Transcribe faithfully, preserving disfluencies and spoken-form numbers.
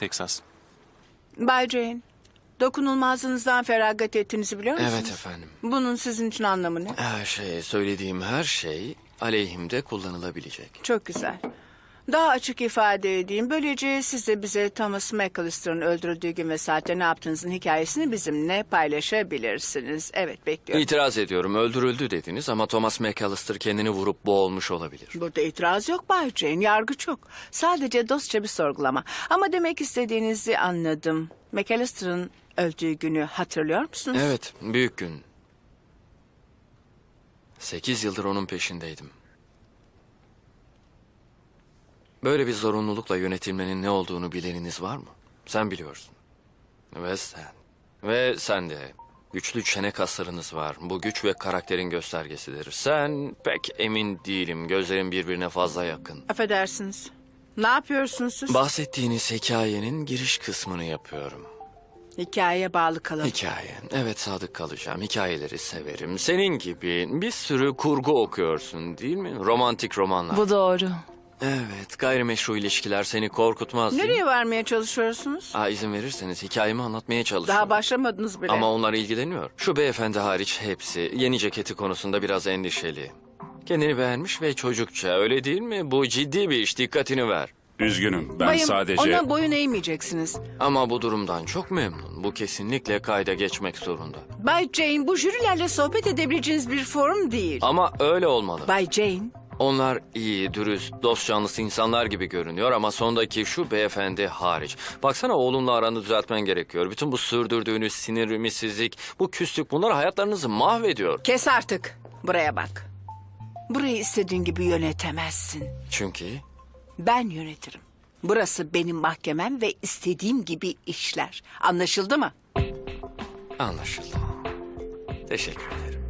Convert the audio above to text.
Texas. Bay Jane, dokunulmazlığınızdan feragat ettiğinizi biliyor musunuz? Evet efendim. Bunun sizin için anlamı ne? Her şey, söylediğim her şey aleyhimde kullanılabilecek. Çok güzel. Daha açık ifade edeyim. Böylece siz de bize Thomas McAllister'ın öldürüldüğü gün ve saatte ne yaptığınızın hikayesini bizimle paylaşabilirsiniz. Evet, bekliyorum. İtiraz ediyorum, öldürüldü dediniz ama Thomas McAllister kendini vurup boğulmuş olabilir. Burada itiraz yok Bay Jane, yargı çok. Sadece dostça bir sorgulama. Ama demek istediğinizi anladım. McAllister'ın öldüğü günü hatırlıyor musunuz? Evet, büyük gün. Sekiz yıldır onun peşindeydim. Böyle bir zorunlulukla yönetilmenin ne olduğunu bileniniz var mı? Sen biliyorsun. Ve sen. Ve sen de. Güçlü çene kaslarınız var. Bu güç ve karakterin göstergesidir. Sen pek emin değilim. Gözlerin birbirine fazla yakın. Affedersiniz. Ne yapıyorsunuz siz? Bahsettiğiniz hikayenin giriş kısmını yapıyorum. Hikayeye bağlı kalın. Hikaye. Evet, sadık kalacağım. Hikayeleri severim. Senin gibi bir sürü kurgu okuyorsun değil mi? Romantik romanlar. Bu doğru. Evet, gayrimeşru ilişkiler seni korkutmaz değil mi? Nereye varmaya çalışıyorsunuz? Aa, izin verirseniz hikayemi anlatmaya çalışıyorum. Daha başlamadınız bile. Ama onlar ilgileniyor. Şu beyefendi hariç hepsi yeni ceketi konusunda biraz endişeli. Kendini beğenmiş ve çocukça, öyle değil mi? Bu ciddi bir iş, dikkatini ver. Üzgünüm, ben Bayım, sadece... ona boyun eğmeyeceksiniz. Ama bu durumdan çok memnun. Bu kesinlikle kayda geçmek zorunda. Bay Jane, bu jürilerle sohbet edebileceğiniz bir forum değil. Ama öyle olmalı. Bay Jane, Onlar iyi, dürüst, dost canlısı insanlar gibi görünüyor ama sondaki şu beyefendi hariç. Baksana, oğlunla aranı düzeltmen gerekiyor. Bütün bu sürdürdüğünüz sinir, ümitsizlik, bu küslük, bunlar hayatlarınızı mahvediyor. kes artık. Buraya bak. Burayı istediğin gibi yönetemezsin. Çünkü Ben yönetirim. Burası benim mahkemem ve istediğim gibi işler. Anlaşıldı mı? anlaşıldı. Teşekkür ederim.